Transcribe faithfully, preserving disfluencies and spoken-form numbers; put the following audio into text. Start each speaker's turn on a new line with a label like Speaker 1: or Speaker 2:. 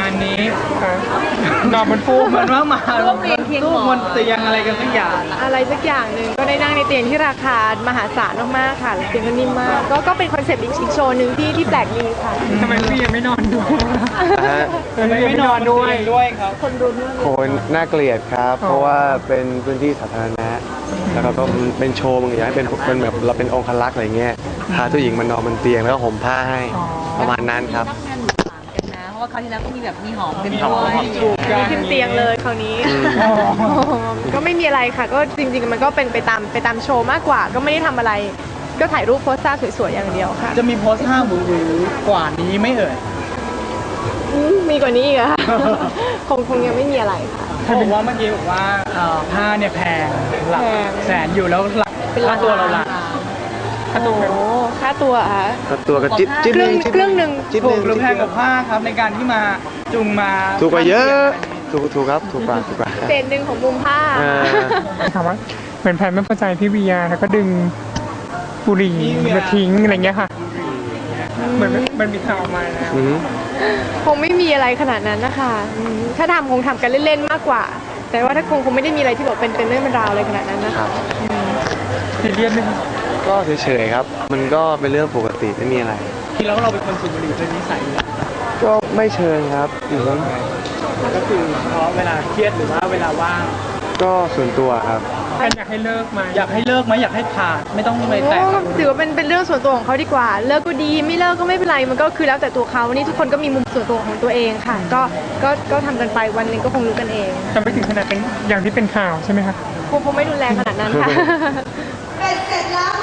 Speaker 1: านนี้นอนบนฟูกเหมือนว่ามาร่วมเรียนเทียงบนเตียงอะไรกันสักอย่าง
Speaker 2: อะไรสักอย่างหนึ่งก็ได้นั่งในเตียงที่ราคามหาศาลมากๆค่ะเตียงก็นิ่มมากก็ก็เป็นคอนเซ็ปต์อีกโชว์หนึ่งที่ที่แปลกดีค่ะ
Speaker 1: ทำไมพี่ยังไม่นอนด้วย
Speaker 3: ทำไม
Speaker 1: ไม่นอนด้วยด้วยครับ
Speaker 2: คนดูด้วย
Speaker 3: โคนน่าเกลียดครับเพราะว่าเป็นพื้นที่สาธารณะแล้วก็เป็นโชว์มันอยากให้เป็นเป็นแบบเราเป็นองครักษ์อะไรเงี้ยพาผู้หญิงมานอนบนเตียงแล้วก็ห่มผ้าให้ประมาณนั้นครับ
Speaker 4: เพราะว่าคราวที่แล้วก็มีแบบมีหอมกันด้วย
Speaker 2: ถูกมีขึ้นเตียงเลยคราวนี้ก็ไม่มีอะไรค่ะก็จริงๆมันก็เป็นไปตามไปตามโชว์มากกว่าก็ไม่ได้ทำอะไรก็ถ่ายรูปโพสท่าสวยๆอย่างเดียวค่ะ
Speaker 1: จะมีโพสท่าหวือหวือกว่านี้ไม่เอ่ย
Speaker 2: มีกว่านี้อีกอะคงคงยังไม่มีอะไรค่ะ
Speaker 1: เขาบอกว่าเมื่อกี้บอกว่าผ้าเนี่ยแพงหลักแสนอยู่แล้วหลักค่าตัวเราหลัก
Speaker 2: ค่าตัวค่าตัวอ่ะ
Speaker 3: ค่าตัวก็จิ๊บจิ๊บ
Speaker 2: เครื่องเครื่องหนึ่ง
Speaker 1: ถูกหรือแพงกว่าผ้าครับในการที่มาจุงมา
Speaker 3: ถูกกว่าเยอะถูกถูกครับถูกกว่าถูกกว่า
Speaker 2: เศษหนึ่งของมุมผ้า
Speaker 1: ถามว่าเหมือนแพนไม่พอใจพี่วีอาแล้วก็ดึงบุหรี่มาทิ้งอะไรเงี้ยค่ะเหมือนมันมีข่าวมาแล้ว
Speaker 2: คงไม่มีอะไรขนาดนั้นนะคะถ้าทำคงทำกันเล่นๆมากกว่าแต่ว่าถ้าคงคงไม่ได้มีอะไรที่แบบเป็นเป็นเรื่องเป็นราวอะไรขนาดนั้นนะคะ
Speaker 1: ซีเรียสไหม
Speaker 3: ก็เฉยๆครับมันก็เป็นเรื่องปกติไม่มีอะไร
Speaker 1: ที่แล้วเราเป็นคนสูบบุหรี่เป็นนิสัย
Speaker 3: ก็ไม่เชิงครับ
Speaker 1: ก็คือเพราะเวลาเครียดหรือว่าเวลาว่าง
Speaker 3: ก็ส่วนตัวครับ
Speaker 1: อยากให้เลิกไหมอยากให้เลิกไหมอยากให้ผ่านไม่ต้องไปแตะ
Speaker 2: ถือว่าเป็นเป็นเรื่องส่วนตัวของเขาดีกว่าเลิกก็ดีไม่เลิกก็ไม่เป็นไรมันก็คือแล้วแต่ตัวเขานี่ทุกคนก็มีมุมส่วนตัวของตัวเองค่ะก็ก็ก็ทำกันไปวันนึงก็คงรู้กันเอง
Speaker 1: จะไม่ถึงขนาดเป็นอย่างที่เป็นข่าวใช่ไหมคะ
Speaker 2: คงคงไม่รุนแรงขนาดนั้นค่ะ